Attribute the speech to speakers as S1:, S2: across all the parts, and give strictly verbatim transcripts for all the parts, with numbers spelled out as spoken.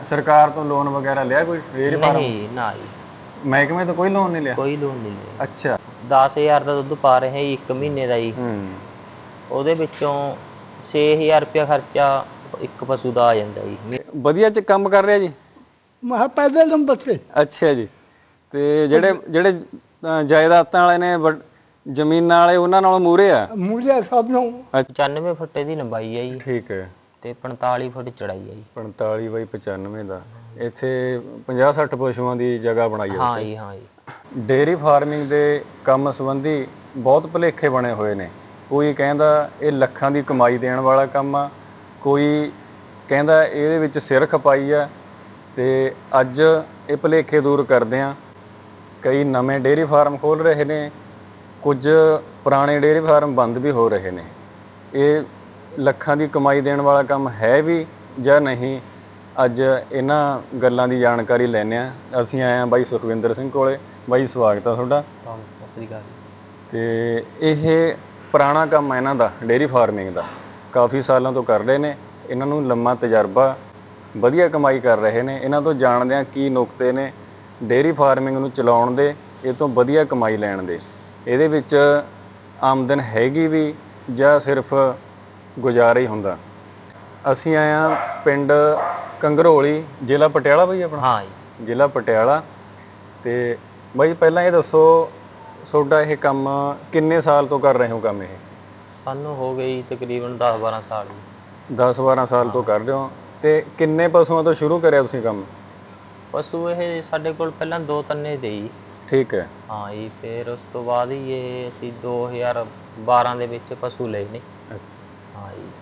S1: ਸਰਕਾਰ ਤੋਂ ਲੋਨ ਵਗੈਰਾ ਲਿਆ ਕੋਈ ਡੇਅਰੀ ਫਾਰਮ?
S2: ਨਹੀਂ ਨਾ ਜੀ,
S1: ਮਹਿਕਮੇ ਤੋਂ ਕੋਈ ਲੋਨ ਨਹੀਂ ਲਿਆ?
S2: ਕੋਈ ਲੋਨ ਨਹੀਂ ਲਿਆ।
S1: ਅੱਛਾ।
S2: ਦਸ ਹਜ਼ਾਰ ਦਾ ਦੁੱਧ ਪਾ ਰਹੇ ਜੀ ਇੱਕ ਮਹੀਨੇ ਦਾ ਜੀ।
S1: ਹੂੰ।
S2: ਉਹਦੇ ਵਿੱਚੋਂ ਛੇ ਹਜ਼ਾਰ ਰੁਪਇਆ ਖਰਚਾ ਇੱਕ ਪਸ਼ੂ ਦਾ ਆ ਜਾਂਦਾ ਜੀ।
S1: ਵਧੀਆ ਚ ਕੰਮ ਕਰ ਰਿਹਾ ਜੀ?
S3: ਮੈਂ ਪਹਿਲੇ ਨੰਬਰ ਤੇ।
S1: ਅੱਛਾ ਜੀ। ਤੇ ਜਿਹੜੇ ਜਿਹੜੇ ਅ, ਜਾਇਦਾਦਾਂ ਵਾਲੇ ਨੇ ਵੱਡ- ਜ਼ਮੀਨਾਂ ਵਾਲੇ ਉਹਨਾਂ ਨਾਲੋਂ ਮੂਹਰੇ ਆ?
S3: ਮੂਲੀਆ ਸਭ ਨੂੰ
S2: ਪਚਾਨਵੇਂ ਫੁੱਟ ਦੀ ਲੰਬਾਈ ਹੈ ਜੀ
S1: ਠੀਕ ਹੈ।
S2: ਤੇ ਪੰਤਾਲੀ ਫੁੱਟ ਚੜਾਈ ਹੈ ਜੀ।
S1: ਪੰਤਾਲੀ ਬਾਈ ਪਚਾਨਵੇਂ ਦਾ ਇੱਥੇ ਪੰਜਾਹ ਸੱਠ ਪਸ਼ੂਆਂ ਦੀ ਜਗ੍ਹਾ ਬਣਾਈ ਹੈ।
S2: ਹਾਂ ਜੀ, ਹਾਂ ਜੀ।
S1: ਡੇਅਰੀ ਫਾਰਮਿੰਗ ਦੇ ਕੰਮ ਸੰਬੰਧੀ ਬਹੁਤ ਭੁਲੇਖੇ ਬਣੇ ਹੋਏ ਨੇ। ਕੋਈ ਕਹਿੰਦਾ ਇਹ ਲੱਖਾਂ ਦੀ ਕਮਾਈ ਦੇਣ ਵਾਲਾ ਕੰਮ ਆ, ਕੋਈ ਕਹਿੰਦਾ ਇਹਦੇ ਵਿੱਚ ਸਿਰ ਖਪਾਈ ਆ। ਤੇ ਅੱਜ ਇਹ ਭੁਲੇਖੇ ਦੂਰ ਕਰਦੇ ਆ। ਕਈ ਨਵੇਂ ਡੇਅਰੀ ਫਾਰਮ ਖੋਲ੍ਹ ਰਹੇ ਨੇ, ਕੁਝ ਪੁਰਾਣੇ ਡੇਅਰੀ ਫਾਰਮ ਬੰਦ ਵੀ ਹੋ ਰਹੇ ਨੇ। ਇਹ ਲੱਖਾਂ ਦੀ ਕਮਾਈ ਦੇਣ ਵਾਲਾ ਕੰਮ ਹੈ ਵੀ ਜਾਂ ਨਹੀਂ, ਅੱਜ ਇਹਨਾਂ ਗੱਲਾਂ ਦੀ ਜਾਣਕਾਰੀ ਲੈਂਦੇ ਆ। ਅਸੀਂ ਆਏ ਹਾਂ ਬਾਈ ਸੁਖਵਿੰਦਰ ਸਿੰਘ ਕੋਲੇ। ਬਾਈ ਸਵਾਗਤ ਆ ਤੁਹਾਡਾ।
S2: ਸਤਿ ਸ੍ਰੀ ਅਕਾਲ।
S1: ਤੇ ਇਹ ਪੁਰਾਣਾ ਕੰਮ ਹੈ ਇਹਨਾਂ ਦਾ, ਡੇਅਰੀ ਫਾਰਮਿੰਗ ਦਾ, ਕਾਫੀ ਸਾਲਾਂ ਤੋਂ ਕਰ ਰਹੇ ਨੇ। ਇਹਨਾਂ ਨੂੰ ਲੰਮਾ ਤਜਰਬਾ, ਵਧੀਆ ਕਮਾਈ ਕਰ ਰਹੇ ਨੇ। ਇਹਨਾਂ ਤੋਂ ਜਾਣਦੇ ਹਾਂ ਕੀ ਨੁਕਤੇ ਨੇ ਡੇਅਰੀ ਫਾਰਮਿੰਗ ਨੂੰ ਚਲਾਉਣ ਦੇ, ਇਹ ਤੋਂ ਵਧੀਆ ਕਮਾਈ ਲੈਣ ਦੇ। ਇਹਦੇ ਵਿੱਚ ਆਮਦਨ ਹੈਗੀ ਵੀ ਜਾਂ ਸਿਰਫ ਗੁਜ਼ਾਰਾ ਹੀ ਹੁੰਦਾ। ਅਸੀਂ ਆਏ ਹਾਂ ਪਿੰਡ ਕੰਗਰੋਲੀ, ਜ਼ਿਲ੍ਹਾ ਪਟਿਆਲਾ ਬਾਈ ਆਪਣਾ?
S2: ਹਾਂ ਜੀ,
S1: ਜ਼ਿਲ੍ਹਾ ਪਟਿਆਲਾ। ਤੇ ਬਾਈ ਪਹਿਲਾਂ ਇਹ ਦੱਸੋ, ਤੁਹਾਡਾ ਇਹ ਕੰਮ ਕਿੰਨੇ ਸਾਲ ਤੋਂ ਕਰ ਰਹੇ ਹੋ ਕੰਮ? ਇਹ
S2: ਸਾਨੂੰ ਹੋ ਗਈ ਤਕਰੀਬਨ ਦਸ ਬਾਰਾਂ ਸਾਲ ਜੀ।
S1: ਦਸ ਬਾਰਾਂ ਸਾਲ ਤੋਂ ਕਰ ਰਹੇ ਹੋ। ਤੇ ਕਿੰਨੇ ਪਸ਼ੂਆਂ ਤੋਂ ਸ਼ੁਰੂ ਕਰਿਆ ਤੁਸੀਂ ਕੰਮ?
S2: ਪਸ਼ੂ ਇਹ ਸਾਡੇ ਕੋਲ ਪਹਿਲਾਂ ਦੋ ਤੰਨੇ ਦੇ ਜੀ।
S1: ਠੀਕ ਹੈ।
S2: ਹਾਂ ਜੀ, ਫਿਰ ਉਸ ਤੋਂ ਬਾਅਦ ਹੀ ਇਹ ਅਸੀਂ ਦੋ ਹਜ਼ਾਰ ਬਾਰਾਂ ਦੇ ਵਿੱਚ ਪਸ਼ੂ ਲਏ ਨੇ।
S1: ਅੱਛਾ।
S2: ਹਾਂ ਜੀ।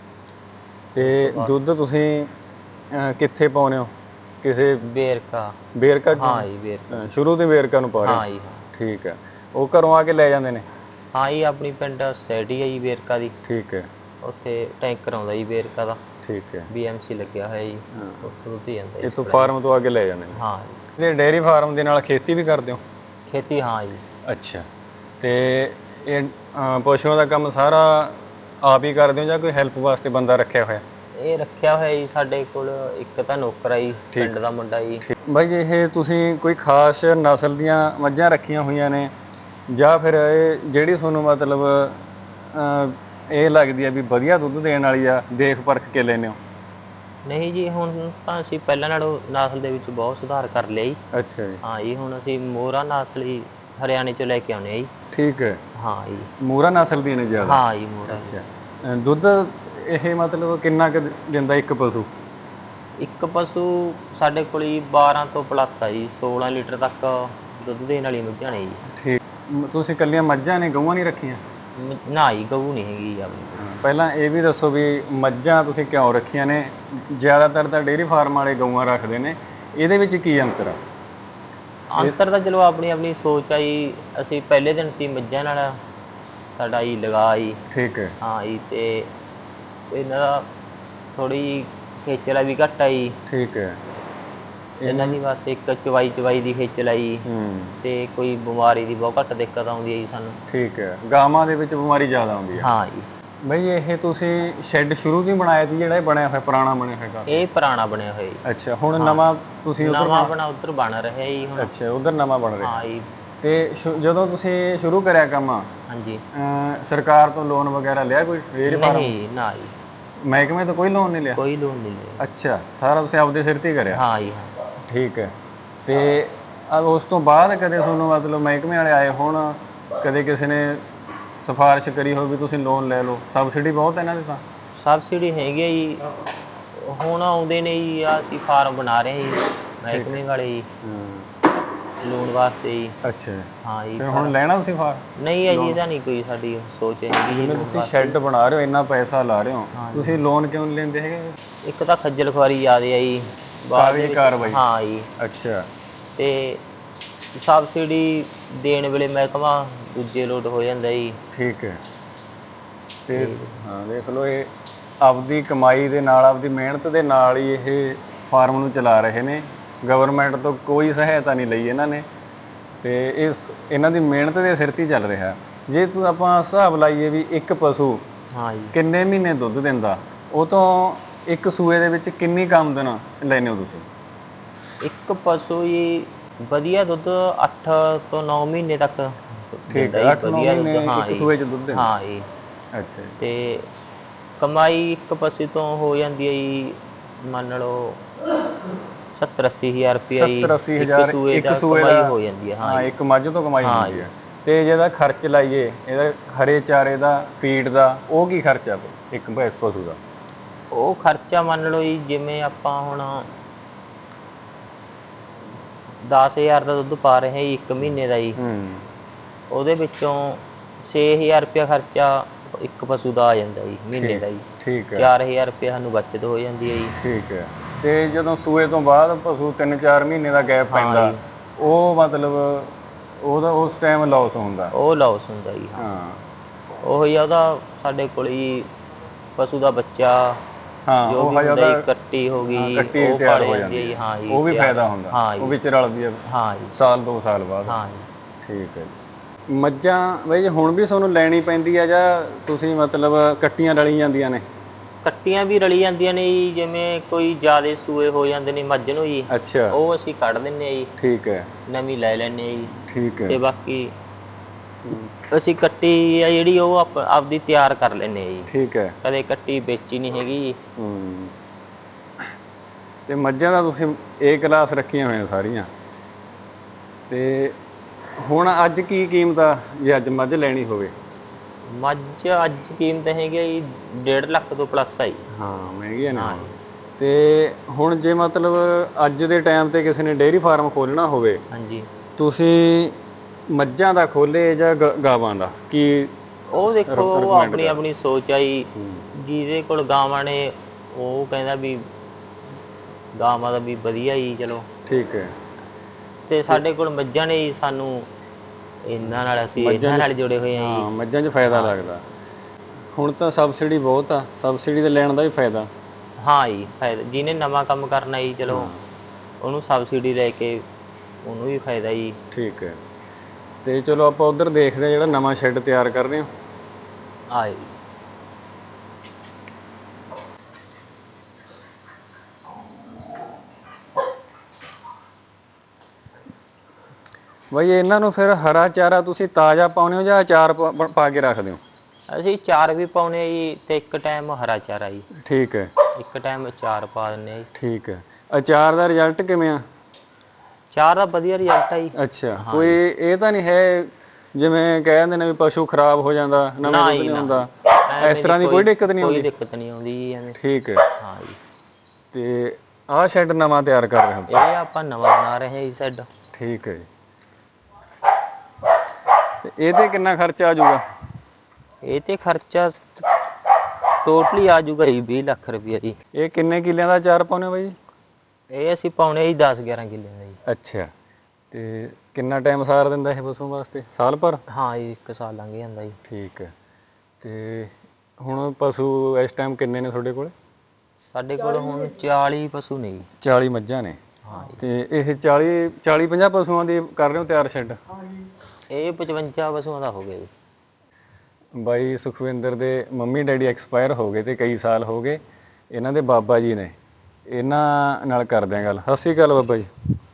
S1: ਤੇ ਦੁੱਧ ਤੁਸੀਂ ਅਹ, ਕਿੱਥੇ ਪਾਉਂਦੇ ਹੋ? ਕਿਸੇ
S2: ਵੇਰਕਾ?
S1: ਵੇਰਕਾ?
S2: ਹਾਂ ਜੀ, ਵੇਰਕਾ।
S1: ਅਹ, ਸ਼ੁਰੂ ਤੋਂ ਵੇਰਕਾ ਨੂੰ ਪਾ ਰਹੇ ਹੋ?
S2: ਹਾਂ ਜੀ, ਹਾਂ।
S1: ਠੀਕ ਹੈ। ਉਹ ਘਰੋਂ ਆ ਕੇ ਲੈ ਜਾਂਦੇ ਨੇ?
S2: ਹਾਂ ਜੀ, ਆਪਣੀ ਪਿੰਡ ਸੋਸਾਇਟੀ ਹੈ ਜੀ ਵੇਰਕਾ ਦੀ,
S1: ਠੀਕ ਹੈ।
S2: ਉੱਥੇ ਟੈਂਕਰ ਆਉਂਦਾ ਜੀ ਵੇਰਕਾ ਦਾ,
S1: ਠੀਕ ਹੈ।
S2: ਬੀ ਐਮ ਸੀ ਲੱਗਿਆ ਹੋਇਆ ਜੀ, ਉੱਥੋਂ ਦੁੱਧ ਹੀ ਜਾਂਦਾ ਜੀ।
S1: ਇਸ ਤੋਂ ਫਾਰਮ ਤੋਂ ਆ ਕੇ ਲੈ ਜਾਂਦੇ ਨੇ?
S2: ਹਾਂ ਜੀ।
S1: ਇਹ ਡੇਅਰੀ ਫਾਰਮ ਦੇ ਨਾਲ ਖੇਤੀ ਵੀ ਕਰਦੇ ਹੋ?
S2: ਖੇਤੀ, ਹਾਂ ਜੀ।
S1: ਅੱਛਾ। ਤੇ ਇਹ ਅਹ, ਪਸ਼ੂਆਂ ਦਾ ਕੰਮ ਸਾਰਾ ਆਪ ਹੀ ਕਰਦੇ ਹੋ ਜਾਂ ਕੋਈ ਹੈਲਪ ਵਾਸਤੇ ਬੰਦਾ ਰੱਖਿਆ ਹੋਇਆ?
S2: ਇਹ ਰੱਖਿਆ ਹੋਇਆ ਜੀ ਸਾਡੇ ਕੋਲ ਇੱਕ ਤਾਂ ਨੌਕਰ ਆ ਜੀ, ਪਿੰਡ ਦਾ ਮੁੰਡਾ ਜੀ।
S1: ਬਾਈ ਇਹ ਤੁਸੀਂ ਕੋਈ ਖਾਸ ਨਸਲ ਦੀਆਂ ਮੱਝਾਂ ਰੱਖੀਆਂ ਹੋਈਆਂ ਨੇ ਜਾਂ ਫਿਰ ਇਹ ਜਿਹੜੀ ਤੁਹਾਨੂੰ ਮਤਲਬ ਅਹ, ਇਹ ਲੱਗਦੀ ਆ ਵੀ ਵਧੀਆ ਦੁੱਧ ਦੇਣ ਵਾਲੀ ਆ, ਦੇਖ ਪਰਖ ਕੇ ਲੈਂਦੇ ਹੋ?
S2: ਨਹੀਂ ਜੀ, ਹੁਣ ਤਾਂ ਅਸੀਂ ਪਹਿਲਾਂ ਨਾਲੋਂ ਨਸਲ ਦੇ ਵਿੱਚ ਬਹੁਤ ਸੁਧਾਰ ਕਰ ਲਿਆ ਜੀ।
S1: ਅੱਛਾ ਜੀ।
S2: ਹਾਂ ਜੀ, ਹੁਣ ਅਸੀਂ ਮੋਹਰਾ ਨਸਲ ਹੀ ਹਰਿਆਣੇ ਚੋਂ ਲੈ ਕੇ ਆਉਂਦੇ ਆ ਜੀ।
S1: ਠੀਕ ਹੈ।
S2: ਹਾਂ ਜੀ।
S1: ਮੂਰਾ ਨਸਲ ਦੀਆਂ ਨੇ ਜ਼ਿਆਦਾ?
S2: ਹਾਂ ਜੀ, ਮੋਹਰਾ।
S1: ਅੱਛਾ। ਅਹ, ਦੁੱਧ ਇਹ ਮਤਲਬ ਕਿੰਨਾ ਕੁ ਦਿੰਦਾ ਇੱਕ ਪਸ਼ੂ?
S2: ਇੱਕ ਪਸ਼ੂ ਸਾਡੇ ਕੋਲ ਜੀ ਬਾਰਾਂ ਤੋਂ ਪਲੱਸ ਆ ਜੀ, ਸੋਲਾਂ ਲੀਟਰ ਤੱਕ ਦੁੱਧ ਦੇਣ ਵਾਲੀ ਮੱਝਾਂ ਨੇ ਜੀ।
S1: ਠੀਕ। ਮ- ਤੁਸੀਂ ਇਕੱਲੀਆਂ ਮੱਝਾਂ ਨੇ, ਗਊਆਂ ਨਹੀਂ ਰੱਖੀਆਂ?
S2: ਮ- ਨਾ ਜੀ, ਗਊ ਨਹੀਂ ਹੈਗੀ ਜੀ ਆਪਣੀ ਕੋਲ।
S1: ਪਹਿਲਾਂ ਇਹ ਵੀ ਦੱਸੋ ਵੀ ਮੱਝਾਂ ਤੁਸੀਂ ਕਿਉਂ ਰੱਖੀਆਂ ਨੇ? ਜ਼ਿਆਦਾਤਰ ਤਾਂ ਡੇਅਰੀ ਫਾਰਮ ਵਾਲੇ ਗਊਆਂ ਰੱਖਦੇ ਨੇ, ਇਹਦੇ ਵਿੱਚ ਕੀ ਅੰਤਰ ਆ?
S2: ਅੰਤਰ ਤਾਂ ਚਲੋ ਆਪਣੀ ਆਪਣੀ ਸੋਚ ਆ ਜੀ। ਅਸੀਂ ਪਹਿਲੇ ਦਿਨ ਤੀ ਮੱਝਾਂ ਨਾਲ ਸਾਡਾ ਜੀ ਲਗਾ ਜੀ।
S1: ਠੀਕ ਹੈ।
S2: ਹਾਂ ਜੀ। ਤੇ ਇਹਨਾਂ ਦਾ ਥੋੜੀ ਖੇਚਲਾ ਵੀ ਘੱਟ ਆ ਜੀ।
S1: ਠੀਕ ਹੈ।
S2: ਇਹਨਾਂ ਦੀ ਬਸ ਇੱਕ ਚਵਾਈ ਚਵਾਈ ਦੀ ਖੇਚਲ ਆ ਜੀ,
S1: ਹੂੰ।
S2: ਤੇ ਕੋਈ ਬਿਮਾਰੀ ਦੀ ਬਹੁਤ ਘੱਟ ਦਿੱਕਤ ਆਉਂਦੀ ਹੈ ਜੀ ਸਾਨੂੰ।
S1: ਠੀਕ ਹੈ। ਗਾਵਾਂ ਦੇ ਵਿੱਚ ਬਿਮਾਰੀ ਜ਼ਿਆਦਾ ਆਉਂਦੀ ਹੈ?
S2: ਹਾਂ ਜੀ।
S1: ਬਈ ਇਹ ਤੁਸੀਂ ਸ਼ੈੱਡ ਸ਼ੁਰੂ ਤੋਂ ਹੀ ਬਣਾਇਆ ਸੀ ਜਿਹੜਾ ਇਹ ਬਣਿਆ ਹੋਇਆ, ਪੁਰਾਣਾ ਬਣਿਆ ਹੋਇਆ?
S2: ਇਹ ਪੁਰਾਣਾ ਬਣਿਆ ਹੋਇਆ ਜੀ।
S1: ਅੱਛਾ। ਹੁਣ ਨਵਾਂ ਤੁਸੀਂ ਉਧਰ?
S2: ਨਵਾਂ ਬਣਾ ਉੱਧਰ ਬਣ ਰਿਹਾ ਜੀ ਹੁਣ।
S1: ਅੱਛਾ, ਉਧਰ ਨਵਾਂ ਬਣ ਰਿਹਾ।
S2: ਹਾਂ ਜੀ।
S1: ਤੇ ਸ਼ੁ- ਜਦੋਂ ਤੁਸੀਂ ਸ਼ੁਰੂ ਕਰਿਆ ਕੰਮ,
S2: ਹਾਂਜੀ।
S1: ਅਹ, ਸਰਕਾਰ ਤੋਂ ਲੋਨ ਵਗੈਰਾ ਲਿਆ ਕੋਈ ਡੇਅਰੀ ਫਾਰਮ?
S2: ਨਹੀਂ ਨਾ ਜੀ,
S1: ਮਹਿਕਮੇ ਤੋਂ ਕੋਈ ਲੋਨ ਨਹੀਂ ਲਿਆ?
S2: ਕੋਈ ਲੋਨ ਨਹੀਂ ਲਿਆ।
S1: ਅੱਛਾ, ਸਾਰਾ ਤੁਸੀਂ ਆਪਦੇ ਸਿਰ ਤੇ ਹੀ ਕਰਿਆ?
S2: ਹਾਂ ਜੀ, ਹਾਂ।
S1: ਠੀਕ ਹੈ। ਤੇ ਆ ਉਸ ਤੋਂ ਬਾਅਦ ਕਦੇ ਤੁਹਾਨੂੰ ਮਤਲਬ ਮਹਿਕਮੇ ਵਾਲੇ ਆਏ ਹੋਣ, ਕਦੇ ਕਿਸੇ ਨੇ ਸਿਫਾਰਿਸ਼ ਕਰੀ ਹੋਵੇ ਵੀ ਤੁਸੀਂ ਲੋਨ ਲੈ ਲਓ? ਸਬਸਿਡੀ ਬਹੁਤ ਹੈ ਇਹਨਾਂ ਦੀ ਤਾਂ?
S2: ਸਬਸਿਡੀ ਹੈਗੀ ਆ ਜੀ, ਹੁਣ ਆਉਂਦੇ ਨੇ ਜੀ। ਆ ਅਸੀਂ ਫਾਰਮ ਬਣਾ ਰਹੇ ਹਾਂ ਜੀ ਮਹਿਕਮੇ ਵਾਲੇ ਜੀ, ਲੋਨ ਵਾਸਤੇ ਜੀ।
S1: ਅੱਛਾ।
S2: ਹਾਂ ਜੀ।
S1: ਫਿਰ ਹੁਣ ਲੈਣਾ ਤੁਸੀਂ ਫਾਰਮ?
S2: ਨਹੀਂ ਹੈ ਜੀ, ਇਹਦਾ ਨਹੀਂ ਕੋਈ ਸਾਡੀ ਸੋਚ ਹੈਗੀ ਜੀ।
S1: ਜਿਵੇਂ ਤੁਸੀਂ ਸ਼ੈੱਡ ਬਣਾ ਰਹੇ ਹੋ, ਇੰਨਾ ਪੈਸਾ ਲਾ ਰਹੇ ਹੋ, ਤੁਸੀਂ ਲੋਨ ਕਿਉਂ ਨਹੀਂ ਲੈਂਦੇ ਹੈਗੇ?
S2: ਇੱਕ ਤਾਂ ਖੱਜਲ ਖੁਆਰੀ ਜ਼ਿਆਦੇ ਆ ਜੀ, ਬਾਅਦ
S1: ਕਾਗਜ਼ੀ
S2: ਦੇ ਵਿੱਚ-
S1: ਕਾਰਵਾਈ?
S2: ਹਾਂ ਜੀ।
S1: ਅੱਛਾ।
S2: ਤੇ ਸਬਸਿਡੀ ਦੇਣ ਵੇਲੇ ਮਹਿਕਮਾ ਦੂਜੇ ਲੋਟ ਹੋ ਜਾਂਦਾ ਜੀ।
S1: ਠੀਕ ਹੈ। ਤੇ ਹਾਂ ਦੇਖ ਲਓ, ਇਹ ਆਪਦੀ ਕਮਾਈ ਦੇ ਨਾਲ, ਆਪਦੀ ਮਿਹਨਤ ਦੇ ਨਾਲ ਹੀ ਇਹ ਫਾਰਮ ਨੂੰ ਚਲਾ ਰਹੇ ਨੇ। ਗਵਰਨਮੈਂਟ ਤੋਂ ਕੋਈ ਸਹਾਇਤਾ ਨਹੀਂ ਲਈ ਇਹਨਾਂ ਨੇ, ਤੇ ਇਹ ਇਹਨਾਂ ਦੀ ਮਿਹਨਤ ਦੇ ਸਿਰ 'ਤੇ ਹੀ ਚੱਲ ਰਿਹਾ। ਜੇ ਤੂੰ ਆਪਾਂ ਹਿਸਾਬ ਲਾਈਏ ਵੀ ਇੱਕ ਪਸ਼ੂ
S2: ਹਾਂ ਜੀ।
S1: ਕਿੰਨੇ ਮਹੀਨੇ ਦੁੱਧ ਦਿੰਦਾ, ਉਹ ਤੋਂ ਇੱਕ ਸੂਏ ਦੇ ਵਿੱਚ ਕਿੰਨੀ ਕੁ ਆਮਦਨ ਲੈਂਦੇ ਹੋ ਤੁਸੀਂ?
S2: ਇੱਕ ਪਸ਼ੂ ਜੀ ਵਧੀਆ ਦੁੱਧ ਅੱਠ ਤੋਂ ਨੌ ਮਹੀਨੇ ਤੱਕ
S1: ਠੀਕ
S2: ਦਿੰਦਾ
S1: ਹੈ,
S2: ਜੀ,
S1: ਅੱਠ ਨੌ
S2: ਵਧੀਆ
S1: ਮਹੀਨੇ
S2: ਦੁੱਧ। ਹਾਂ
S1: ਇੱਕ
S2: ਜੀ
S1: ਸੂਏ 'ਚ ਦੁੱਧ ਦਿੰਦਾ।
S2: ਹਾਂ ਜੀ।
S1: ਅੱਛਾ ਜੀ।
S2: ਤੇ ਕਮਾਈ ਇੱਕ ਪਸ਼ੂ ਤੋਂ ਹੋ ਜਾਂਦੀ ਹੈ ਜੀ, ਮੰਨ ਲਓ ਸੱਤਰ ਅੱਸੀ ਹਜ਼ਾਰ ਰੁਪਇਆ ਜੀ।
S1: ਸੱਤਰ ਅੱਸੀ
S2: ਇੱਕ
S1: ਹਜ਼ਾਰ
S2: ਸੂਏ
S1: ਇੱਕ
S2: ਦਾ
S1: ਸੂਏ
S2: ਕਮਾਈ
S1: ਦਾ।
S2: ਹੋ ਜਾਂਦੀ ਹੈ। ਹਾਂ
S1: ਹਾਂ,
S2: ਜੀ
S1: ਇੱਕ ਮੱਝ ਤੋਂ ਕਮਾਈ
S2: ਹਾਂ
S1: ਹੁੰਦੀ
S2: ਜੀ।
S1: ਹੈ। ਤੇ ਜਿਹਦਾ ਖਰਚ ਲਾਈਏ ਇਹਦਾ ਹਰੇ ਚਾਰੇ ਦਾ, ਫੀਡ ਦਾ, ਉਹ ਕੀ ਖਰਚਾ ਪਊ ਇੱਕ ਭੈਂਸ ਪਸ਼ੂ ਦਾ?
S2: ਉਹ ਖਰਚਾ ਮੰਨ ਲਓ ਜੀ, ਜਿਵੇਂ ਆਪਾਂ ਹੁਣ ਦਸ ਹਜ਼ਾਰ ਦਾ ਦੁੱਧ ਪਾ ਰਹੇ ਜੀ ਇੱਕ ਮਹੀਨੇ ਦਾ ਜੀ,
S1: ਹੂੰ
S2: ਉਹਦੇ ਵਿੱਚੋਂ ਛੇ ਹਜ਼ਾਰ ਰੁਪਇਆ ਖਰਚਾ ਇੱਕ ਪਸ਼ੂ ਦਾ ਆ ਜਾਂਦਾ ਜੀ ਮਹੀਨੇ
S1: ਠੀਕ
S2: ਦਾ ਜੀ।
S1: ਠੀਕ ਹੈ।
S2: ਚਾਰ ਹਜ਼ਾਰ ਰੁਪਇਆ ਸਾਨੂੰ ਬੱਚਤ ਹੋ ਜਾਂਦੀ ਹੈ ਜੀ।
S1: ਠੀਕ ਹੈ। ਤੇ ਜਦੋਂ ਸੂਏ ਤੋਂ ਬਾਅਦ ਪਸ਼ੂ ਤਿੰਨ ਚਾਰ ਮਹੀਨੇ ਦਾ ਗੈਪ
S2: ਹਾਂ
S1: ਪੈਂਦਾ,
S2: ਜੀ,
S1: ਉਹ ਮਤਲਬ ਉਹਦਾ ਉਸ ਟਾਈਮ ਲਾਸ ਹੁੰਦਾ।
S2: ਉਹ ਲਾਸ ਹੁੰਦਾ ਜੀ। ਹਾਂ,
S1: ਹਾਂ
S2: ਉਹੀ ਆ ਉਹਦਾ ਸਾਡੇ ਕੋਲ ਜੀ ਪਸ਼ੂ ਦਾ ਬੱਚਾ
S1: ਹਾਂ,
S2: ਜੋ
S1: ਉਹ
S2: ਵੀ
S1: ਹਜੇ
S2: ਹੁੰਦਾ ਜੀ,
S1: ਉਹਦਾ
S2: ਕੱਟੀ ਹੋ
S1: ਹਾਂ
S2: ਗਈ,
S1: ਕੱਟੀ
S2: ਉਹ
S1: ਤਿਆਰ
S2: ਪਾਲੇ
S1: ਹੋ
S2: ਜਾਂਦੀ ਹੈ
S1: ਜਾਂਦੀ
S2: ਜੀ।
S1: ਹੈ,
S2: ਹਾਂ ਜੀ,
S1: ਉਹ ਵੀ
S2: ਤਿਆਰ
S1: ਫਾਇਦਾ ਹੁੰਦਾ।
S2: ਹਾਂ
S1: ਉਹ
S2: ਜੀ
S1: ਵਿੱਚ ਰਲਦੀ ਹੈ
S2: ਹਾਂ ਜੀ
S1: ਸਾਲ ਦੋ ਸਾਲ ਬਾਅਦ।
S2: ਹਾਂ ਜੀ।
S1: ਠੀਕ ਹੈ ਜੀ। ਮੱਝਾਂ ਬਈ ਹੁਣ ਵੀ ਤੁਹਾਨੂੰ ਲੈਣੀ ਪੈਂਦੀ ਹੈ ਜਾਂ ਤੁਸੀਂ ਮਤਲਬ ਕੱਟੀਆਂ ਰਲੀ ਜਾਂਦੀਆਂ ਨੇ?
S2: ਕੱਟੀਆਂ ਵੀ ਰਲੀ ਜਾਂਦੀਆਂ ਨੇ ਜੀ, ਜਿਵੇਂ ਕੋਈ ਜ਼ਿਆਦਾ ਸੂਏ ਹੋ ਜਾਂਦੇ ਨੇ ਮੱਝ ਨੂੰ ਜੀ,
S1: ਅੱਛਾ
S2: ਉਹ ਅਸੀਂ ਕੱਢ ਦਿੰਦੇ ਹਾਂ ਜੀ,
S1: ਠੀਕ ਹੈ।
S2: ਨਵੀਂ ਲੈ ਲੈਂਦੇ ਹਾਂ ਜੀ।
S1: ਠੀਕ ਹੈ।
S2: ਤੇ ਬਾਕੀ ਅਸੀਂ ਕੱਟੀ ਆ ਜਿਹੜੀ ਉਹ ਆਪ ਆਪਦੀ ਤਿਆਰ ਕਰ ਲੈਂਦੇ ਹਾਂ ਜੀ,
S1: ਠੀਕ ਹੈ।
S2: ਕਦੇ ਕੱਟੀ ਵੇਚੀ ਨਹੀਂ ਹੈਗੀ ਜੀ।
S1: ਹੂੰ। ਤੇ ਮੱਝਾਂ ਦਾ ਤੁਸੀਂ ਏ ਕਲਾਸ ਰੱਖੀਆਂ ਹੋਈਆਂ ਸਾਰੀਆਂ, ਤੇ ਹੁਣ ਅੱਜ ਕੀ ਕੀਮਤ ਆ ਜੇ ਅੱਜ ਮੱਝ ਲੈਣੀ ਹੋਵੇ?
S2: ਮੱਝ ਅੱਜ ਕੀਮਤ ਹੈਗੀ ਆ ਜੀ ਡੇਢ ਲੱਖ ਤੋਂ ਪਲੱਸ ਆ ਜੀ।
S1: ਹਾਂ, ਮਹਿੰਗੀਆਂ ਨੇ
S2: ਹਾਂ
S1: ਹੁਣ।
S2: ਜੀ
S1: ਤੇ ਹੁਣ ਜੇ ਮਤਲਬ ਅੱਜ ਦੇ ਟਾਈਮ ਤੇ ਕਿਸੇ ਨੇ ਡੇਅਰੀ ਫਾਰਮ ਖੋਲ੍ਹਣਾ ਹੋਵੇ,
S2: ਹਾਂਜੀ।
S1: ਤੁਸੀਂ ਮੱਝਾਂ ਦਾ ਖੋਲੇ ਜਾਂ ਗ ਗਾਵਾਂ ਦਾ, ਕੀ
S2: ਉਹ ਦੇਖੋ ਉਹ
S1: ਰਿਕਮੈਂਡ
S2: ਆਪਣੀ
S1: ਕਰ?
S2: ਆਪਣੀ ਸੋਚ ਆ ਜੀ।
S1: ਹੂੰ
S2: ਜਿਹਦੇ ਕੋਲ ਗਾਵਾਂ ਨੇ ਉਹ ਕਹਿੰਦਾ ਵੀ ਗਾਵਾਂ ਦਾ ਵੀ ਵਧੀਆ ਜੀ ਚਲੋ।
S1: ਠੀਕ ਹੈ।
S2: ਤੇ
S1: ਤੇ
S2: ਸਾਡੇ ਕੋਲ ਮੱਝਾਂ ਨੇ ਜੀ, ਸਾਨੂੰ ਇਹਨਾਂ ਨਾਲ ਅਸੀਂ
S1: ਮੱਝਾਂ
S2: ਇਹਨਾਂ
S1: 'ਚ
S2: ਨਾਲ ਜੁੜੇ ਹੋਏ ਹਾਂ ਜੀ।
S1: ਮੱਝਾਂ 'ਚ ਫਾਇਦਾ
S2: ਹਾਂ ਜੀ
S1: ਲੱਗਦਾ। ਹੁਣ ਤਾਂ ਸਬਸਿਡੀ ਬਹੁਤ ਆ, ਸਬਸਿਡੀ ਦੇ ਲੈਣ ਦਾ ਵੀ ਫਾਇਦਾ।
S2: ਹਾਂ ਜੀ ਫਾਇਦਾ, ਜਿਹਨੇ ਨਵਾਂ ਕੰਮ ਕਰਨਾ ਜੀ ਚਲੋ
S1: ਹਾਂ
S2: ਉਹਨੂੰ ਸਬਸਿਡੀ ਲੈ ਕੇ ਉਹਨੂੰ ਵੀ ਫਾਇਦਾ ਜੀ।
S1: ਠੀਕ ਹੈ। ਤੇ ਚਲੋ ਆਪਾਂ ਉੱਧਰ ਦੇਖਦੇ ਹਾਂ ਜਿਹੜਾ ਨਵਾਂ ਸ਼ੈੱਡ ਤਿਆਰ ਕਰ ਰਹੇ ਹੋ।
S2: ਆਏ
S1: ਬਾਈ ਇਹਨਾਂ ਨੂੰ ਫਿਰ ਹਰਾ ਚਾਰਾ ਤੁਸੀਂ ਤਾਜ਼ਾ ਪਾਉਂਦੇ ਹੋ ਜਾਂ ਅਚਾਰ ਪਾ ਪਾ ਕੇ ਰੱਖਦੇ ਹੋ?
S2: ਅਸੀਂ ਚਾਰ ਵੀ ਪਾਉਂਦੇ ਜੀ, ਤੇ ਇੱਕ ਟਾਈਮ ਹਰਾ ਚਾਰਾ ਜੀ।
S1: ਠੀਕ ਹੈ।
S2: ਇੱਕ ਟਾਈਮ ਅਚਾਰ ਪਾ ਦਿੰਦੇ ਹਾਂ ਜੀ।
S1: ਠੀਕ ਹੈ। ਅਚਾਰ ਦਾ ਰਿਜ਼ਲਟ ਕਿਵੇਂ ਆ?
S2: ਚਾਰ ਦਾ ਵਧੀਆ ਰਿਜ਼ਲਟ ਆ ਜੀ।
S1: ਅੱਛਾ,
S2: ਹਾਂ
S1: ਕੋਈ
S2: ਜੀ
S1: ਇਹ ਤਾਂ ਨਹੀਂ ਹੈ ਜਿਵੇਂ ਕਹਿ ਦਿੰਦੇ ਨੇ ਵੀ ਪਸ਼ੂ ਖਰਾਬ ਹੋ ਜਾਂਦਾ, ਨਵੇਂ
S2: ਨਾ
S1: ਦੁੱਧ
S2: ਜੀ
S1: ਨਹੀਂ
S2: ਨਾ
S1: ਹੁੰਦਾ, ਇਸ
S2: ਐਵੇਂ
S1: ਤਰ੍ਹਾਂ ਦੀ ਕੋਈ ਦਿੱਕਤ ਨਹੀਂ
S2: ਕੋਈ
S1: ਆਉਂਦੀ?
S2: ਦਿੱਕਤ ਨਹੀਂ ਆਉਂਦੀ ਜੀ ਐਵੇਂ।
S1: ਠੀਕ ਹੈ।
S2: ਹਾਂ ਜੀ।
S1: ਤੇ ਆਹ ਸ਼ੈੱਡ ਨਵਾਂ ਤਿਆਰ ਕਰ ਰਹੇ ਹੋ ਤੁਸੀਂ?
S2: ਇਹ ਆਪਾਂ ਨਵਾਂ ਬਣਾ ਰਹੇ ਹਾਂ ਜੀ ਸ਼ੈੱਡ।
S1: ਠੀਕ ਹੈ ਜੀ। ਤੇ ਇਹ ਤੇ ਕਿੰਨਾ ਖਰਚਾ ਆ ਜਾਊਗਾ?
S2: ਇਹ ਤੇ ਖਰਚਾ ਟੋਟਲੀ ਆਜੂਗਾ ਜੀ ਵੀਹ ਲੱਖ ਰੁਪਇਆ ਜੀ।
S1: ਇਹ ਕਿੰਨੇ ਕਿੱਲਿਆਂ ਦਾ ਅਚਾਰ ਪਾਉਂਦੇ ਹੋ ਬਾਈ?
S2: ਇਹ ਅਸੀਂ ਪਾਉਣੇ ਜੀ ਦਸ ਗਿਆਰਾਂ ਕਿੱਲੇ ਦਾ ਜੀ।
S1: ਅੱਛਾ। ਤੇ ਕਿੰਨਾ ਟਾਈਮ ਸਾਰ ਦਿੰਦਾ ਇਹ ਪਸ਼ੂ ਵਾਸਤੇ, ਸਾਲ ਭਰ?
S2: ਹਾਂ ਜੀ, ਇੱਕ ਸਾਲ ਲੰਘ ਜਾਂਦਾ ਜੀ।
S1: ਠੀਕ ਹੈ। ਤੇ ਹੁਣ ਪਸ਼ੂ ਇਸ ਟਾਈਮ ਕਿੰਨੇ ਨੇ ਤੁਹਾਡੇ ਕੋਲ?
S2: ਸਾਡੇ ਕੋਲ ਹੁਣ ਚਾਲੀ ਪਸ਼ੂ ਨੇ ਜੀ।
S1: ਚਾਲੀ ਮੱਝਾਂ ਨੇ।
S2: ਹਾਂ ਜੀ।
S1: ਤੇ ਇਹ ਚਾਲੀ ਚਾਲੀ ਪੰਜਾਹ ਪਸ਼ੂਆਂ ਦੀ ਕਰ ਰਹੇ ਹੋ ਤਿਆਰ ਸ਼ੈੱਡ?
S2: ਇਹ ਪਚਵੰਜਾ ਪਸ਼ੂਆਂ ਦਾ ਹੋ ਗਿਆ ਜੀ।
S1: ਬਾਈ ਸੁਖਵਿੰਦਰ ਦੇ ਮੰਮੀ ਡੈਡੀ ਐਕਸਪਾਇਰ ਹੋ ਗਏ ਤੇ ਕਈ ਸਾਲ ਹੋ ਗਏ। ਇਹਨਾਂ ਦੇ ਬਾਬਾ ਜੀ ਨੇ, ਇਹਨਾਂ ਨਾਲ ਕਰਦੇ ਹਾਂ ਗੱਲ। ਸਤਿ ਸ਼੍ਰੀ ਅਕਾਲ ਬਾਬਾ ਜੀ।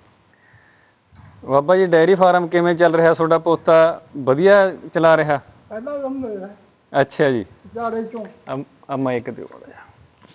S1: ਬਾਬਾ ਜੀ ਡੇਅਰੀ ਫਾਰਮ ਕਿਵੇਂ ਚੱਲ ਰਿਹਾ ਤੁਹਾਡਾ ਪੋਤਾ, ਵਧੀਆ ਚਲਾ ਰਿਹਾ?
S3: ਪਹਿਲਾ ਨੰਬਰ ਹੈ
S1: ਅੱਛਾ ਜੀ।
S3: ਚਾਰੇ ਚੋਂ।
S1: ਆ ਮਾਈਕ ਦਿਓ ਮਾੜਾ ਜਿਹਾ।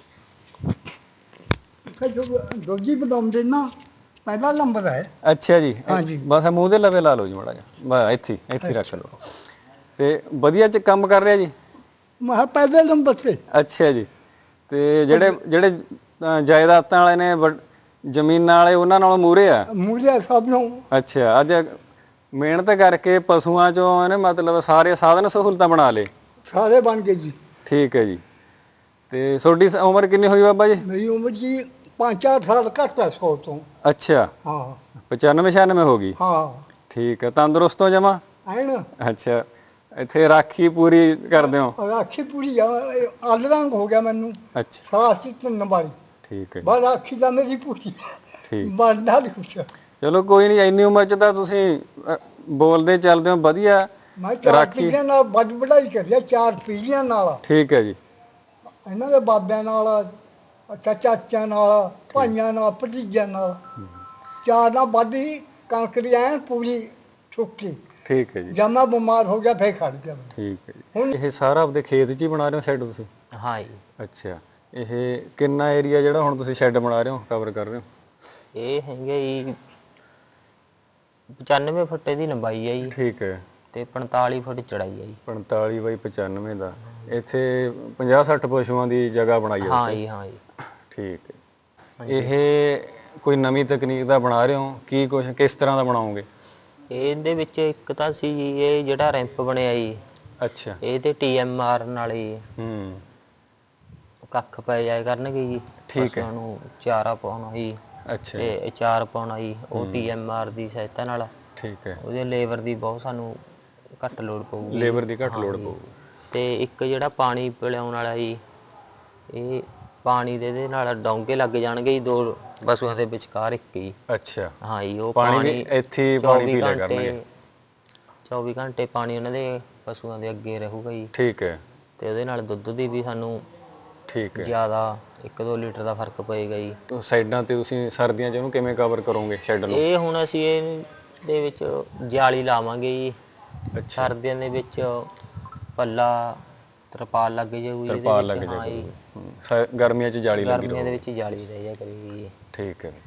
S3: ਦੂਜੀ ਬਦਾਮਦੇ ਨਾ ਪਹਿਲਾ ਨੰਬਰ ਹੈ।
S1: ਅੱਛਾ ਜੀ।
S3: ਹਾਂਜੀ।
S1: ਬਸ ਮੂੰਹ ਦੇ ਲਵੇ ਲਾ ਲਓ ਜੀ ਮਾੜਾ ਜਿਹਾ, ਬਸ ਇੱਥੇ ਇੱਥੇ ਰੱਖ ਲਓ। ਤੇ ਵਧੀਆ ਚ ਕੰਮ ਕਰ ਰਿਹਾ ਜੀ?
S3: ਮੈਂ ਕਿਹਾ ਪਹਿਲੇ ਨੰਬਰ ਤੇ।
S1: ਅੱਛਾ ਜੀ। ਤੇ ਜਿਹੜੇ ਜਿਹੜੇ ਜਾਇਦਾਦਾਂ ਵਾਲੇ ਨੇ, ਜ਼ਮੀਨਾਂ ਵਾਲੇ, ਉਹਨਾਂ ਨਾਲੋਂ ਮੂਹਰੇ ਆ?
S3: ਮੂਹਰੇ ਸਭ ਨੂੰ।
S1: ਅੱਛਾ। ਅੱਜ ਮਿਹਨਤ ਕਰਕੇ ਪਸ਼ੂਆਂ ਚੋਂ ਇਹਨੇ ਮਤਲਬ ਸਾਰੇ ਸਾਧਨ ਸਹੂਲਤਾਂ ਬਣਾ ਲਏ?
S3: ਸਾਰੇ ਬਣ ਗਏ ਜੀ।
S1: ਠੀਕ ਹੈ ਜੀ। ਤੇ ਤੁਹਾਡੀ ਉਮਰ ਕਿੰਨੀ ਹੋਈ ਬਾਬਾ ਜੀ?
S3: ਮੇਰੀ ਉਮਰ ਜੀ ਪੰਜ ਚਾਰ ਸਾਲ ਘੱਟ ਹੈ ਸੌ ਤੋਂ।
S1: ਅੱਛਾ।
S3: ਹਾਂ।
S1: ਪਚਾਨਵੇਂ ਛਿਆਨਵੇਂ ਹੋ ਗਈ?
S3: ਹਾਂ।
S1: ਠੀਕ ਹੈ। ਤੰਦਰੁਸਤ ਹੋ ਜਮਾ?
S3: ਐਨ।
S1: ਅੱਛਾ। ਇੱਥੇ ਰਾਖੀ ਪੂਰੀ ਕਰਦੇ ਹੋ?
S3: ਰਾਖੀ ਪੂਰੀ ਆ, ਅੱਲ ਰੰਗ ਹੋ ਗਿਆ ਮੈਨੂੰ।
S1: ਅੱਛਾ।
S3: ਸਾਲ ਚ ਤਿੰਨ ਵਾਰੀ।
S1: ਠੀਕ ਹੈ ਜੀ।
S3: ਬਸ ਰਾਖੀ ਦਾ ਮੇਰੀ ਪੂਰੀ
S1: ਠੀਕ।
S3: ਬਣਦਾ ਨਹੀਂ ਕੁਛ।
S1: ਚਲੋ ਕੋਈ ਨਹੀਂ, ਇੰਨੀ ਉਮਰ ਚ ਤਾਂ ਤੁਸੀਂ ਬੋਲਦੇ ਚੱਲਦੇ ਹੋ ਵਧੀਆ।
S3: ਮੈਂ ਚਾਰ
S1: ਰਾਖੀ।
S3: ਪੀੜ੍ਹੀਆਂ ਨਾਲ ਵੱਡ ਵਡਾਈ ਕਰੀ ਆ, ਚਾਰ ਪੀੜ੍ਹੀਆਂ ਨਾਲ।
S1: ਠੀਕ ਹੈ ਜੀ।
S3: ਇਹਨਾਂ ਦੇ ਬਾਬਿਆਂ ਨਾਲ, ਅੱਛਾ ਚਾਚਿਆਂ ਨਾਲ,
S1: ਠੀਕ।
S3: ਭਾਈਆਂ ਨਾਲ, ਭਤੀਜਿਆਂ ਨਾਲ। ਚਾਰ ਨਾਲ ਵੱਢੀ ਕਣਕ ਦੀ ਐਨ ਪੂਰੀ ਸੁੱਕੀ।
S1: ਠੀਕ ਹੈ ਜੀ,
S3: ਜਦ ਮੈਂ ਬਿਮਾਰ ਹੋ ਗਿਆ ਫੇਰ ਖੜ ਗਿਆ।
S1: ਠੀਕ ਹੈ ਜੀ।
S3: ਹੁਣ
S1: ਇਹ ਸਾਰਾ ਆਪਦੇ ਖੇਤ 'ਚ ਹੀ ਬਣਾ ਰਹੇ ਹੋ ਸ਼ੈੱਡ ਤੁਸੀਂ?
S2: ਹਾਂ ਜੀ।
S1: ਅੱਛਾ, ਇਹ ਕਿੰਨਾ ਏਰੀਆ ਜਿਹੜਾ ਹੁਣ ਤੁਸੀਂ ਸ਼ੈੱਡ ਬਣਾ ਰਹੇ ਹੋ, ਕਵਰ ਕਰ ਰਹੇ ਹੋ?
S2: ਇਹ ਹੈਗੇ ਜੀ ਪਚਾਨਵੇਂ ਫੁੱਟ ਦੀ ਲੰਬਾਈ ਹੈ ਜੀ,
S1: ਠੀਕ ਹੈ।
S2: ਤੇ ਪੰਤਾਲੀ ਫੁੱਟ ਚੜਾਈ ਹੈ ਜੀ।
S1: ਪੰਤਾਲੀ ਬਾਈ ਪਚਾਨਵੇਂ ਦਾ। ਇੱਥੇ ਪੰਜਾਹ ਸੱਠ ਪਸ਼ੂਆਂ ਦੀ ਜਗ੍ਹਾ ਬਣਾਈ ਹੈ
S2: ਹਾਂ
S1: ਤੁਸੀਂ?
S2: ਜੀ, ਹਾਂ ਜੀ।
S1: ਠੀਕ ਹੈ। ਇਹ ਕੋਈ ਨਵੀਂ ਤਕਨੀਕ ਦਾ ਬਣਾ ਰਹੇ ਹੋ? ਕੀ ਕੁਛ ਕਿਸ ਤਰ੍ਹਾਂ ਦਾ ਬਣਾਓਗੇ?
S2: ਇਹਦੇ ਵਿੱਚ ਇੱਕ ਤਾਂ ਸੀ ਜੀ ਇਹ ਜਿਹੜਾ ਰੈਂਪ ਬਣਿਆ ਜੀ,
S1: ਅੱਛਾ।
S2: ਇਹ ਤੇ ਟੀ ਐਮ ਆਰ ਨਾਲ ਜੀ
S1: ਹੂੰ।
S2: ਕੱਖ ਪੈ ਜਾਇਆ ਕਰਨਗੇ ਜੀ,
S1: ਠੀਕ ਹੈ।
S2: ਪਸ਼ੂਆਂ ਨੂੰ ਚਾਰਾ ਪਾਉਣਾ ਜੀ,
S1: ਅੱਛਾ ਜੀ।
S2: ਤੇ ਅਚਾਰ ਪਾਉਣਾ ਜੀ, ਉਹ ਟੀ ਐਮ ਆਰ ਦੀ ਸਹਾਇਤਾ ਨਾਲ।
S1: ਠੀਕ ਹੈ।
S2: ਉਹਦੇ ਲੇਬਰ ਦੀ ਬਹੁਤ ਸਾਨੂੰ ਘੱਟ ਲੋੜ ਪਊਗੀ।
S1: ਲੇਬਰ ਦੀ ਘੱਟ
S2: ਹਾਂ
S1: ਲੋੜ
S2: ਜੀ।
S1: ਪਊਗੀ।
S2: ਤੇ ਇੱਕ ਜਿਹੜਾ ਪਾਣੀ ਪਿਲਾਉਣ ਵਾਲਾ ਜੀ, ਇਹ ਪਾਣੀ ਦੇ ਇਹਦੇ ਨਾਲ ਡੋਂਗੇ ਲੱਗ ਜਾਣਗੇ ਜੀ ਦੋ ਪਸ਼ੂਆਂ ਦੇ ਵਿਚਕਾਰ ਇੱਕ ਹੀ।
S1: ਅੱਛਾ,
S2: ਹਾਂ ਜੀ, ਉਹ
S1: ਪਾਣੀ ਵੀ
S2: ਪਾਣੀ
S1: ਇੱਥੇ ਹੀ ਪਾਣੀ
S2: ਚੌਵੀ
S1: ਪੀ ਲਿਆ ਕਰਨਗੇ?
S2: ਘੰਟੇ ਚੌਵੀ ਘੰਟੇ ਪਾਣੀ ਉਹਨਾਂ ਦੇ ਪਸ਼ੂਆਂ ਦੇ ਅੱਗੇ ਰਹੂਗਾ ਜੀ,
S1: ਠੀਕ ਹੈ।
S2: ਤੇ ਉਹਦੇ ਨਾਲ ਦੁੱਧ ਦੀ ਵੀ ਸਾਨੂੰ
S1: ਠੀਕ ਹੈ।
S2: ਜ਼ਿਆਦਾ ਇੱਕ ਦੋ ਲੀਟਰ ਦਾ ਫਰਕ ਪਏਗਾ ਜੀ।
S1: ਸਾਈਡਾਂ ਤੇ ਤੁਸੀਂ ਸਰਦੀਆਂ 'ਚ ਉਹਨੂੰ ਕਿਵੇਂ ਕਵਰ ਕਰੋਗੇ ਸ਼ੈੱਡ ਨੂੰ?
S2: ਇਹ ਹੁਣ ਅਸੀਂ ਇਹਦੇ ਵਿੱਚ ਜਾਲੀ ਲਾਵਾਂਗੇ ਜੀ।
S1: ਅੱਛਾ,
S2: ਸਰਦੀਆਂ ਦੇ ਵਿੱਚ ਪੱਲਾ ਤਰਪਾਲ ਲੱਗ ਜਾਊਗੀ ਜਿਹਦੇ
S1: ਤਰਪਾਲ
S2: ਵਿੱਚ।
S1: ਲੱਗ ਜਾਇਆ
S2: ਹਾਂ ਜੀ,
S1: ਕਰੂਗੀ। ਹੂੰ, ਸ- ਗਰਮੀਆਂ 'ਚ ਜਾਲੀ ਲੱਗੀ
S2: ਗਰਮੀਆਂ ਦੇ
S1: ਰਹੂਗੀ।
S2: ਵਿੱਚ ਜਾਲੀ ਰਹਿ ਜਾ ਕਰੇਗੀ ਜੀ।
S1: ਠੀਕ ਹੈ।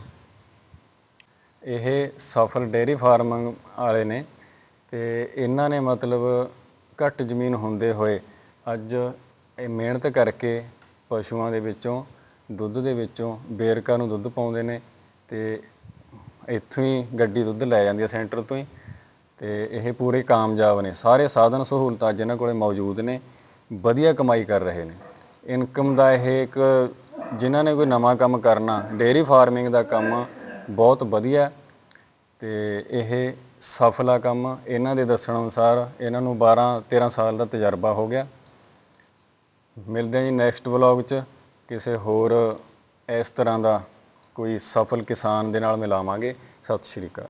S1: ਇਹ ਸਫਲ ਡੇਅਰੀ ਫਾਰਮ ਵਾਲੇ ਨੇ, ਤੇ ਇਹਨਾਂ ਨੇ ਮਤਲਬ ਘੱਟ ਜ਼ਮੀਨ ਹੁੰਦੇ ਹੋਏ ਅੱਜ ਇਹ ਮਿਹਨਤ ਕਰਕੇ ਪਸ਼ੂਆਂ ਦੇ ਵਿੱਚੋਂ ਦੁੱਧ ਦੇ ਵਿੱਚੋਂ ਵੇਰਕਾ ਨੂੰ ਦੁੱਧ ਪਾਉਂਦੇ ਨੇ, ਤੇ ਇੱਥੋਂ ਹੀ ਗੱਡੀ ਦੁੱਧ ਲੈ ਜਾਂਦੀ ਹੈ ਸੈਂਟਰ ਤੋਂ ਹੀ। ਤੇ ਇਹ ਪੂਰੇ ਕਾਮਯਾਬ ਨੇ, ਸਾਰੇ ਸਾਧਨ ਸਹੂਲਤਾਂ ਅੱਜ ਇਹਨਾਂ ਕੋਲ ਮੌਜੂਦ ਨੇ, ਵਧੀਆ ਕਮਾਈ ਕਰ ਰਹੇ ਨੇ। ਇਨਕਮ ਦਾ ਇਹ ਇੱਕ, ਜਿਨ੍ਹਾਂ ਨੇ ਕੋਈ ਨਵਾਂ ਕੰਮ ਕਰਨਾ, ਡੇਅਰੀ ਫਾਰਮਿੰਗ ਦਾ ਕੰਮ ਬਹੁਤ ਵਧੀਆ, ਤੇ ਇਹ ਸਫਲ ਆ ਕੰਮ। ਇਹਨਾਂ ਦੇ ਦੱਸਣ ਅਨੁਸਾਰ ਇਹਨਾਂ ਨੂੰ ਬਾਰਾਂ ਤੇਰਾਂ ਸਾਲ ਦਾ ਤਜਰਬਾ ਹੋ ਗਿਆ। ਮਿਲਦੇ ਹਾਂ ਜੀ ਨੈਕਸਟ ਵਲੋਗ 'ਚ, ਕਿਸੇ ਹੋਰ ਇਸ ਤਰ੍ਹਾਂ ਦਾ ਕੋਈ ਸਫਲ ਕਿਸਾਨ ਦੇ ਨਾਲ ਮਿਲਾਵਾਂਗੇ। ਸਤਿ ਸ਼੍ਰੀ ਅਕਾਲ।